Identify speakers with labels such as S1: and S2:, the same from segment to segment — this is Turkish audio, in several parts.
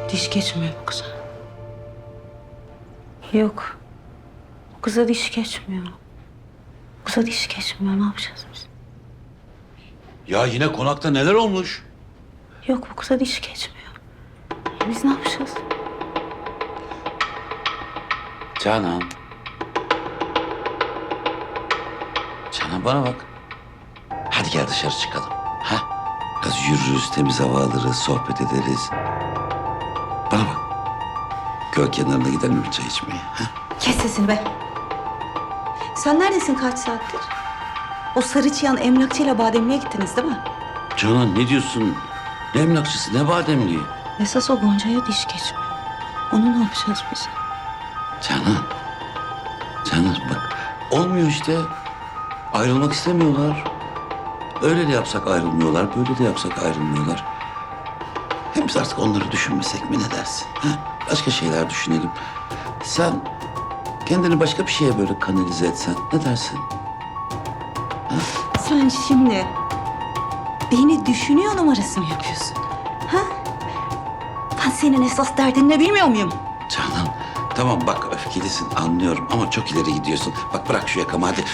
S1: Diş geçmiyor bu kıza. Yok. Bu kıza diş geçmiyor. Bu kıza diş geçmiyor. Ne yapacağız biz?
S2: Ya yine konakta neler olmuş?
S1: Yok, bu kıza diş geçmiyor. Biz ne yapacağız?
S2: Canan. Canan bana bak. Hadi gel dışarı çıkalım. Ha? Biraz yürürüz, temiz hava alırız, sohbet ederiz. Bana bak. Göl kenarına gidelim bir çay içmeye. Ha?
S3: Kes sesini be. Sen neredesin kaç saattir? O sarı çıyan emlakçıyla bademliğe gittiniz değil mi?
S2: Canan ne diyorsun? Ne emlakçısı, ne bademliği?
S1: Esas o Gonca'ya diş geçmiyor. Onu ne yapacağız biz?
S2: Canan. Canan bak. Olmuyor işte. Ayrılmak istemiyorlar. Öyle de yapsak ayrılmıyorlar, böyle de yapsak ayrılmıyorlar. Hem biz artık onları düşünmesek mi ne dersin? Ha? Başka şeyler düşünelim. Sen kendini başka bir şeye böyle kanalize etsen ne dersin?
S3: Sen şimdi beni düşünüyor numarası mı yapıyorsun? Ha? Ben senin esas derdin ne bilmiyor muyum?
S2: Canan tamam bak öfkelisin anlıyorum ama çok ileri gidiyorsun. Bak bırak şu yakamı hadi.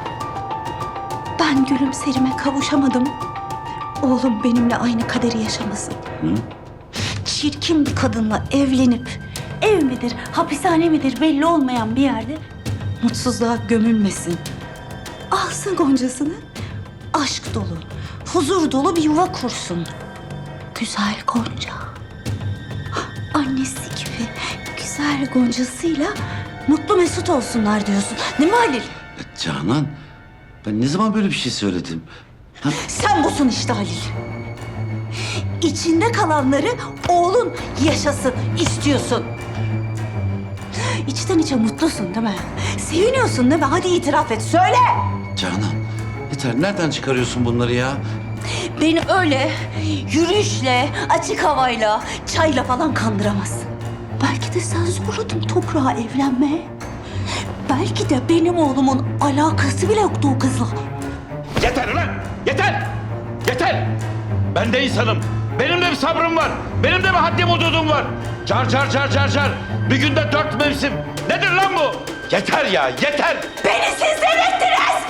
S3: Ben gülümserime kavuşamadım. Oğlum benimle aynı kaderi yaşamasın.
S2: Hı?
S3: Çirkin bir kadınla evlenip ev midir, hapishane midir belli olmayan bir yerde mutsuzluğa gömülmesin. Alsın Goncasını, aşk dolu, huzur dolu bir yuva kursun. Güzel Gonca. Annesi gibi güzel Goncasıyla mutlu mesut olsunlar diyorsun. Değil mi Halil?
S2: Canan ben ne zaman böyle bir şey söyledim? Ha?
S3: Sen busun işte Halil. İçinde kalanları oğlun yaşasın istiyorsun. İçten içe mutlusun değil mi? Seviniyorsun değil mi? Hadi itiraf et, söyle.
S2: Canan yeter nereden çıkarıyorsun bunları ya?
S3: Beni öyle yürüyüşle, açık havayla, çayla falan kandıramazsın. Belki de sen zorladın toprağa evlenmeye. Belki de benim oğlumun alakası bile yoktu o kızla.
S4: Yeter ulan! Yeter! Yeter! Ben de insanım. Benim de bir sabrım var. Benim de bir haddim hududum var. Car car car car car. Bir günde 4 mevsim. Nedir lan bu? Yeter ya, yeter!
S3: Beni siz delirttiniz!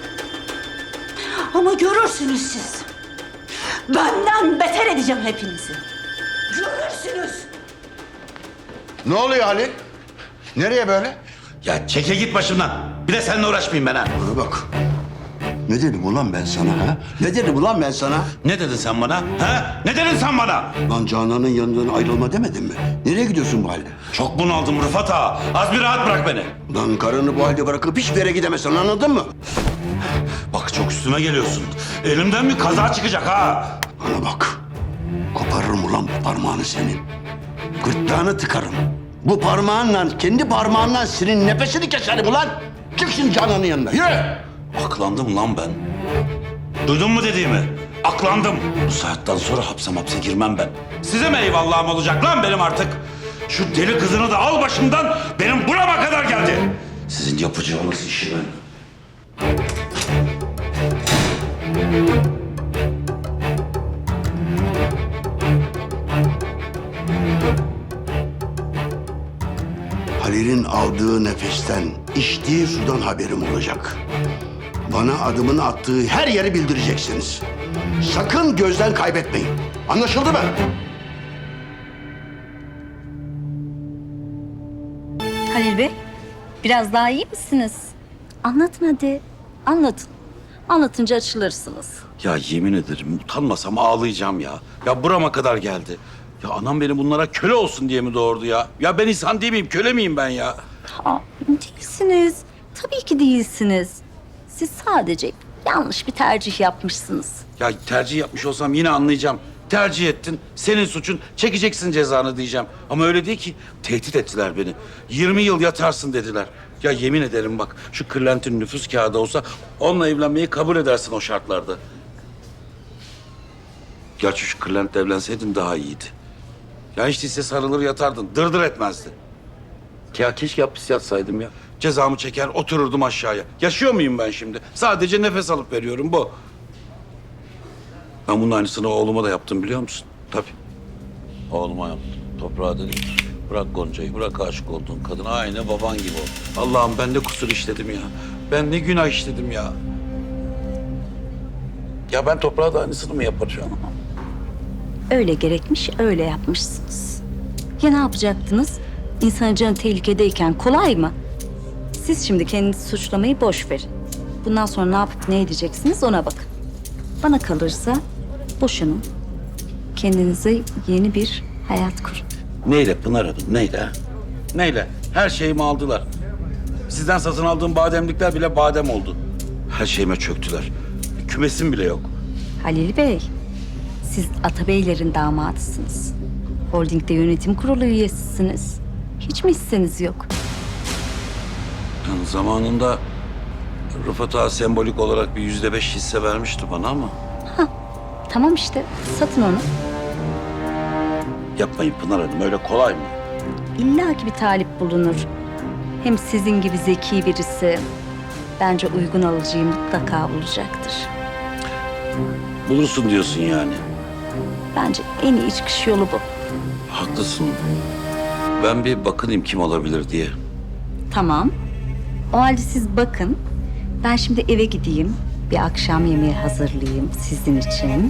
S3: Ama görürsünüz siz. Benden beter edeceğim hepinizi. Görürsünüz.
S5: Ne oluyor Halil? Nereye böyle?
S2: Ya çeke git başımdan. Bir de seninle uğraşmayayım ben ha.
S5: Bana bak. Ne dedim ulan ben sana ha? Ne dedim ulan ben sana?
S2: Ne dedin sen bana? Ha? Ne dedin sen bana?
S5: Lan Canan'ın yanından ayrılma demedim mi? Nereye gidiyorsun bu halde?
S2: Çok bunaldım Rıfat ağa. Az bir rahat bırak beni.
S5: Lan karını bu halde bırakıp hiçbir yere gidemezsin anladın mı?
S2: Bak çok üstüme geliyorsun. Elimden bir kaza çıkacak ha.
S5: Bana bak. Koparırım ulan bu parmağını senin. Gırtlağını tıkarım. Bu parmağınla, kendi parmağınla senin nefesini keserim ulan. Çık şimdi Canan'ın yanına. Yürü!
S2: Aklandım lan ben. Duydun mu dediğimi? Aklandım. Bu saatten sonra hapse girmem ben. Size mi eyvallahım olacak lan benim artık? Şu deli kızını da al başımdan. Benim burama kadar geldi. Sizin yapacağınız işi ben.
S5: Halil'in aldığı nefesten, içtiği sudan haberim olacak. Bana adımını attığı her yeri bildireceksiniz. Sakın gözden kaybetmeyin. Anlaşıldı mı?
S6: Halil Bey, biraz daha iyi misiniz? Anlatın hadi, anlatın. Anlatınca açılırsınız.
S2: Ya yemin ederim utanmasam ağlayacağım ya. Ya burama kadar geldi. Ya anam beni bunlara köle olsun diye mi doğurdu ya? Ya ben insan değil miyim, köle miyim ben ya?
S6: Aa, değilsiniz. Tabii ki değilsiniz. Siz sadece yanlış bir tercih yapmışsınız.
S2: Ya tercih yapmış olsam yine anlayacağım. Tercih ettin, senin suçun, çekeceksin cezanı diyeceğim. Ama öyle değil ki, tehdit ettiler beni. 20 yıl yatarsın dediler. Ya yemin ederim bak, şu Kırlent'in nüfus kağıdı olsa onunla evlenmeyi kabul edersin o şartlarda. Gerçi şu Kırlent'le evlenseydin daha iyiydi. Ya hiç değilse sarılır yatardın, dırdır etmezdi. Ya keşke hapis yatsaydım ya. Cezamı çeker, otururdum aşağıya. Yaşıyor muyum ben şimdi? Sadece nefes alıp veriyorum, bu. Ben bunun aynısını oğluma da yaptım biliyor musun? Tabii. Oğluma yaptım. Toprağa dedim. Bırak Gonca'yı, bırak aşık olduğun kadın. Aynı baban gibi ol. Allah'ım ben de kusur işledim ya. Ben ne günah işledim ya. Ya ben toprağa da aynısını mı yapacağım?
S6: Öyle gerekmiş, öyle yapmışsınız. Ya ne yapacaktınız? İnsanın canı tehlikedeyken kolay mı? Siz şimdi kendinizi suçlamayı boş verin. Bundan sonra ne yapıp ne edeceksiniz ona bakın. Bana kalırsa boşanın. Kendinize yeni bir hayat kurun.
S2: Neyle Pınar Hanım, neyle? Ha? Neyle? Her şeyimi aldılar. Sizden satın aldığım bademlikler bile badem oldu. Her şeyime çöktüler. Bir kümesim bile yok.
S6: Halil Bey, siz Atabeylerin damadısınız. Holding'de yönetim kurulu üyesisiniz. Hiç mi hisseniz yok?
S2: Yani zamanında Rıfat Ağa sembolik olarak bir %5 hisse vermişti bana ama...
S6: Tamam işte, satın onu.
S2: Yapmayın Pınar Hanım, öyle kolay mı?
S6: İlla ki bir talip bulunur. Hem sizin gibi zeki birisi bence uygun alıcıyı mutlaka bulacaktır.
S2: Bulursun diyorsun yani.
S6: Bence en iyi çıkış yolu bu.
S2: Haklısın. Ben bir bakınayım kim olabilir diye.
S6: Tamam. O halde siz bakın. Ben şimdi eve gideyim. Bir akşam yemeği hazırlayayım sizin için.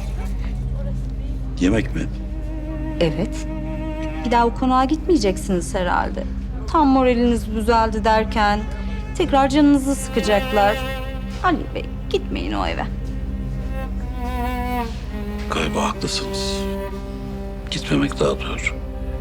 S2: Yemek mi?
S6: Evet. Bir daha o konağa gitmeyeceksiniz herhalde. Tam moraliniz düzeldi derken tekrar canınızı sıkacaklar. Ali Bey gitmeyin o eve.
S2: Galiba haklısınız. Gitmemek daha doğru.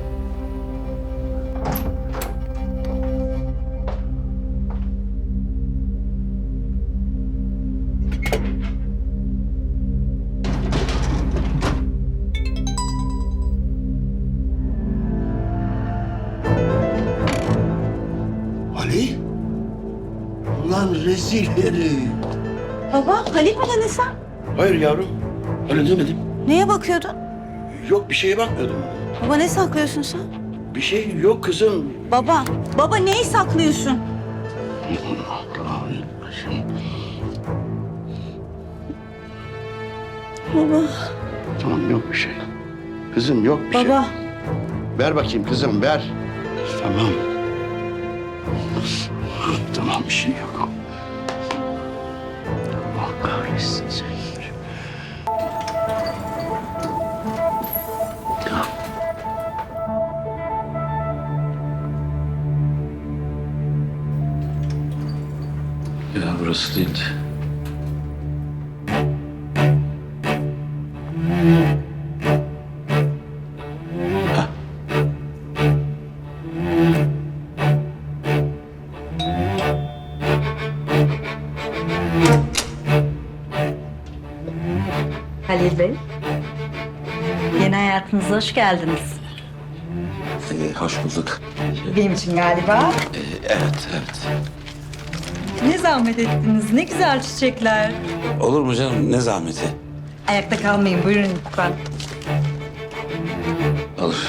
S5: Ali? Ulan rezil herif.
S3: Baba, Halil mi dedin sen?
S5: Hayır yavrum. Öyle demedim.
S3: Neye bakıyordun?
S5: Yok bir şeye bakmıyordum.
S3: Baba ne saklıyorsun sen?
S5: Bir şey yok kızım.
S3: Baba neyi saklıyorsun? Baba,
S5: Tamam yok bir şey. Kızım yok bir şey.
S3: baba.
S5: Ver bakayım kızım ver. Tamam. Tamam bir şey yok. Allah kahretsin seni.
S2: Ya burası değildi. Hah.
S6: Halil Bey. Yeni hayatınıza hoş geldiniz.
S2: Hoş bulduk.
S6: Benim için galiba.
S2: Evet, evet.
S6: Ne zahmet ettiniz, ne güzel çiçekler.
S2: Olur mu canım? Ne zahmeti?
S6: Ayakta kalmayın, buyurun lütfen.
S2: Olur.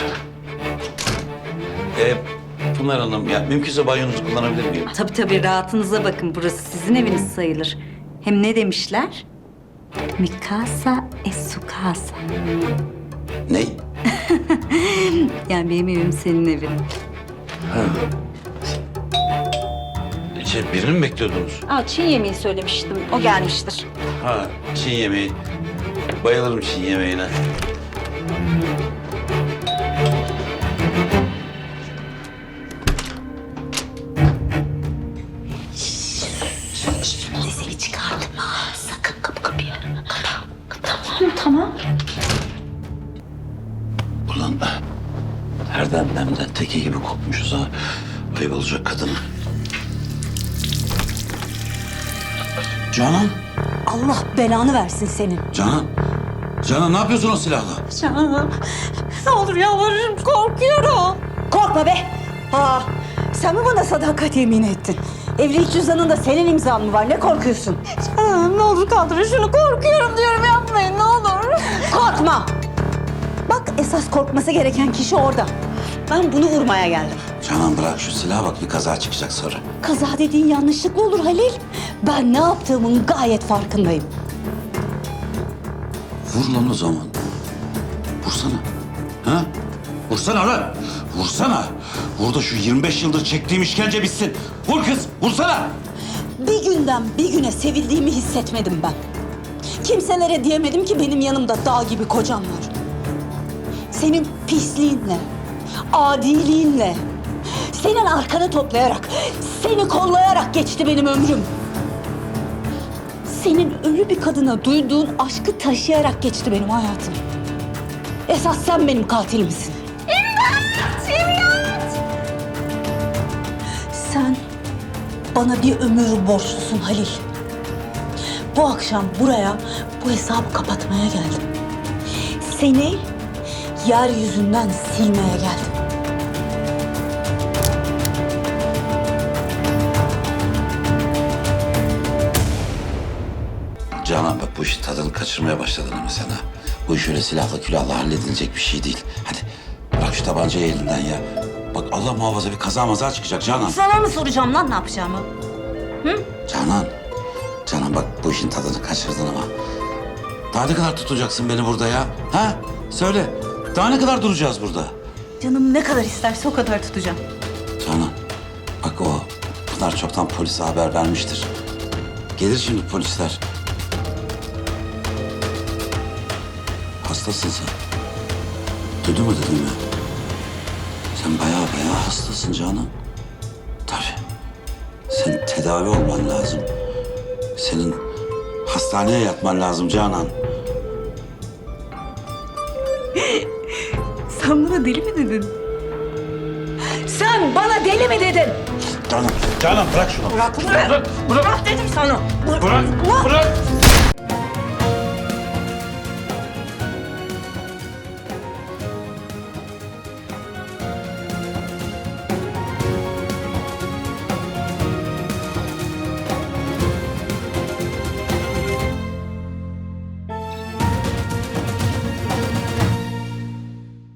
S2: Pınar Hanım, ya mümkünse banyonuzu kullanabilir miyim?
S6: Tabii rahatınıza bakın, burası sizin eviniz sayılır. Hem ne demişler? Mi casa es su casa.
S2: Ne?
S6: Yani benim evim senin evin.
S2: Birini mi bekliyordunuz?
S6: Aa, Çin yemeği söylemiştim, o gelmiştir.
S2: Ha, Çin yemeği. Bayılırım Çin yemeğine.
S1: Sesini çıkardım ha. Sakın kapıyı.
S3: Tamam.
S2: Ulan her demden teki gibi kokmuşuz ha. Ayıp olacak kadına. Canan,
S3: Allah belanı versin senin.
S2: Canan. Canan ne yapıyorsun o silahla?
S3: Canım, ne olur yalvarırım, korkuyorum. Korkma be. Sen mi bana sadakat yemin ettin? Evlilik cüzdanında senin imzan mı var? Ne korkuyorsun? Canım ne olur kaldırın şunu. Korkuyorum diyorum, yapmayın ne olur. Korkma. Bak esas korkması gereken kişi orada. Ben bunu vurmaya geldim.
S2: Canan bırak şu silahı, bak bir kaza çıkacak sonra.
S3: Kaza dediğin yanlışlık mı olur Halil? Ben ne yaptığımın gayet farkındayım.
S2: Vur lan o zaman. Vursana. Ha?
S4: Vursana lan. Vursana. Vur da şu 25 yıldır çektiğim işkence bitsin. Vur kız. Vursana.
S3: Bir günden bir güne sevildiğimi hissetmedim ben. Kimselere diyemedim ki benim yanımda dağ gibi kocam var. Senin pisliğinle, adiliğinle, senin arkanı toplayarak, seni kollayarak geçti benim ömrüm. Senin ölü bir kadına duyduğun aşkı taşıyarak geçti benim hayatım. Esas sen benim katilimsin. İmdat! İmdat! Sen bana bir ömür borçlusun Halil. Bu akşam buraya bu hesabı kapatmaya geldim. Seni yeryüzünden silmeye geldim.
S2: Canan bak bu işin tadını kaçırmaya başladın ama sen ha. Bu iş öyle silahla külahla halledilecek bir şey değil. Hadi bırak şu tabancayı elinden ya. Bak Allah muhafaza bir kaza maza çıkacak Canan.
S3: Sana mı soracağım lan ne yapacağımı?
S2: Canan. Canan bak bu işin tadını kaçırdın ama. Daha ne kadar tutacaksın beni burada ya? Ha? Söyle. Daha ne kadar duracağız burada?
S3: Canım ne kadar isterse o kadar tutacağım.
S2: Canan. Bak o Pınar çoktan polise haber vermiştir. Gelir şimdi polisler. Hastasın sen. Duydun mu dediğimi? Sen bayağı hastasın Canan. Tabii. Senin tedavi olman lazım. Senin hastaneye yatman lazım Canan.
S3: Sen bana deli mi dedin? Sen bana deli mi dedin?
S2: Canan.
S4: Canan bırak şunu.
S3: Bırak,
S4: Bırak.
S3: bırak dedim sana.
S4: Bırak. Bırak.